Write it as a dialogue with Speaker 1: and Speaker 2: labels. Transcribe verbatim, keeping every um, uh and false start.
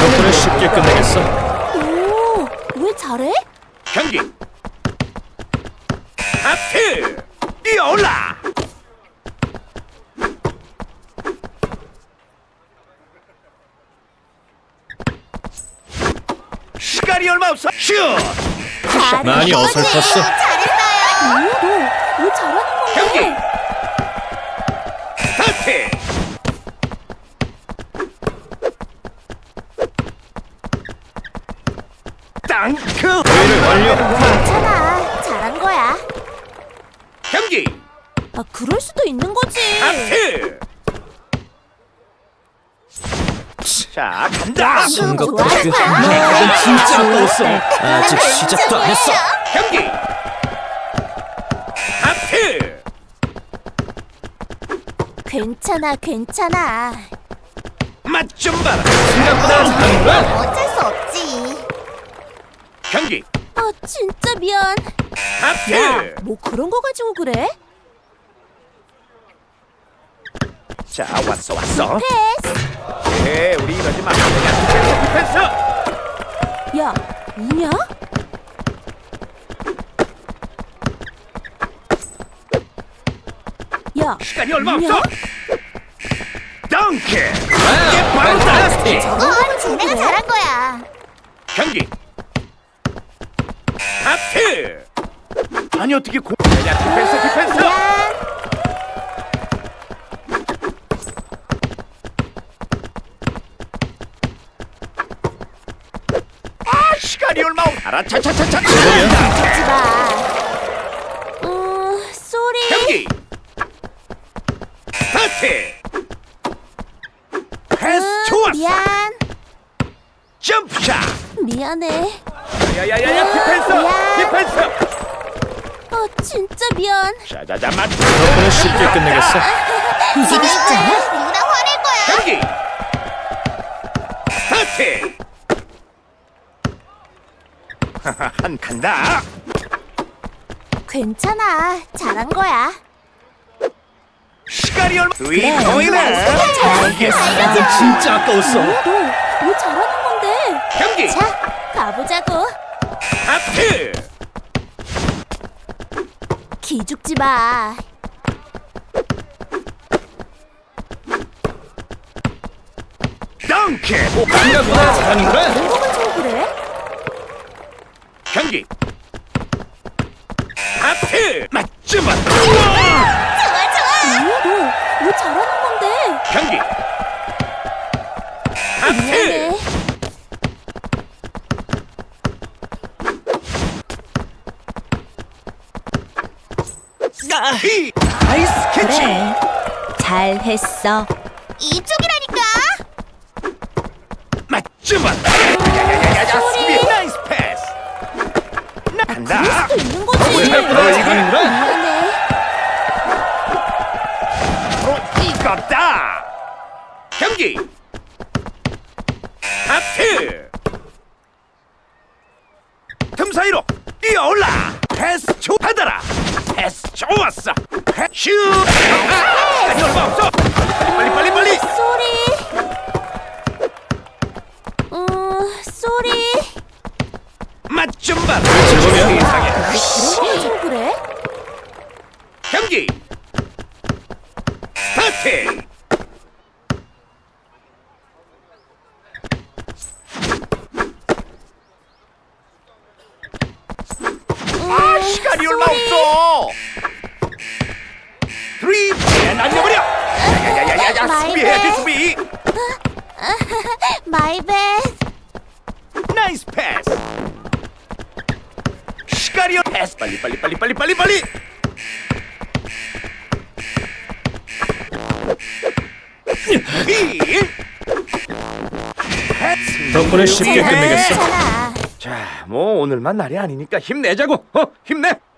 Speaker 1: 덕분에 쉽게 끝내겠어.
Speaker 2: 오, 왜 잘해?
Speaker 3: 경기 하트 뛰어올라. 시간이 얼마 없어. 슛.
Speaker 1: 많이 어설펐어.
Speaker 2: 잘했어요. 오, 너왜 잘하는
Speaker 3: 경기
Speaker 2: 건데?
Speaker 3: 스타트. 땅크.
Speaker 1: 회의를 완료.
Speaker 2: 괜찮아, 잘한 거야.
Speaker 3: 경기
Speaker 2: 아, 그럴 수도 있는 거지.
Speaker 3: 하트. 자 간다.
Speaker 1: 진
Speaker 2: 좋아.
Speaker 1: 것까지. 이건 진짜 아까웠어. 아직 시작도 안 했어.
Speaker 3: 경기 하트.
Speaker 2: 괜찮아, 괜찮아.
Speaker 3: 맛 좀 봐라.
Speaker 1: 생각보다 잘하는 거야.
Speaker 2: 어쩔 수 없지.
Speaker 3: 경기
Speaker 2: 아, 진짜 미안.
Speaker 3: 하트.
Speaker 2: 야, 뭐 그런 거 가지고 그래?
Speaker 3: 자 왔어 왔어.
Speaker 2: 패스.
Speaker 3: 에 우리 이러지 마. 그냥 디펜스 디펜스.
Speaker 2: 야, 우냐? 야,
Speaker 3: 시간이 얼마
Speaker 2: 우냐?
Speaker 3: 없어. 덩크. 이게 바로 다스티.
Speaker 2: 어, 지네가 잘한 거야.
Speaker 3: 경기 하트. 아니 어떻게 공. 그냥 디펜스 디펜스.
Speaker 2: 미안.
Speaker 3: 아 시간이 얼마 없. 알아 차차차차.
Speaker 2: 하지 마. 음, 쏘리.
Speaker 3: 경기 스타트. 패스
Speaker 2: 음,
Speaker 3: 좋았어.
Speaker 2: 미안.
Speaker 3: 점프샷.
Speaker 2: 미안해.
Speaker 3: 야야야야
Speaker 2: 아,
Speaker 3: 디펜스
Speaker 2: 미안.
Speaker 3: 디펜스.
Speaker 2: 어, 진짜 미안.
Speaker 3: 자자자 맞.
Speaker 1: 덕분에 쉽게 끝내겠어.
Speaker 2: 이기고 싶잖아. 누나 화낼 거야.
Speaker 3: 경기 스타트. 한 간다.
Speaker 2: 괜찮아. 잘한 거야.
Speaker 3: 시간이 얼마. 스윗
Speaker 2: 그래,
Speaker 3: 보이네.
Speaker 2: 알겠어.
Speaker 1: 이건 진짜 아까웠어.
Speaker 2: 너 왜 잘하는 건데?
Speaker 3: 경기
Speaker 2: 자, 가보자고.
Speaker 3: 하트.
Speaker 2: 기죽지 마.
Speaker 3: 덩크.
Speaker 1: 생각보다 잘하는 거야.
Speaker 2: 그런 거 가지고 그래?
Speaker 3: 경기 하트. 맞지 맞.
Speaker 2: 좋아, 좋아. 너왜 잘하는 건데?
Speaker 3: 경기 하트.
Speaker 2: 미안해.
Speaker 3: 이 나이스 캐치.
Speaker 2: 잘했어. 이쪽이라니까.
Speaker 3: 맞지 맞. 야야야야야 수비 나이스 패스. 나 간다.
Speaker 2: 그럴 수도 있는 거지.
Speaker 1: 생각보다 잘하는 거야.
Speaker 2: 미안해.
Speaker 3: 바로 이거다. 경기 하트. 틈 사이로 뛰어올라. 패스 조 받아라. 패스 좋았어. 패- 슛. 아, 시간이 얼마 없어. 빨리 빨리 빨리.
Speaker 2: 쏘리. 음, 쏘리.
Speaker 3: 맛 좀 봐라.
Speaker 1: 제법이야.
Speaker 3: 세상에.
Speaker 2: 그런 거 가지고 그래?
Speaker 3: 경기 스타트. 아 시간이 얼마 없어. 쓰리 앤 날려버려. 야야야야야 수비해야지 수비.
Speaker 2: 마이 배.
Speaker 3: 나이스 패스. 시간이 얼- 패스 빨리 빨리 빨리 빨리 빨리 빨리. 이 패스.
Speaker 1: 덕분에 쉽게 끝내겠어.
Speaker 2: 괜찮아.
Speaker 3: 자, 뭐 오늘만 날이 아니니까 힘내자고. 어, 힘내.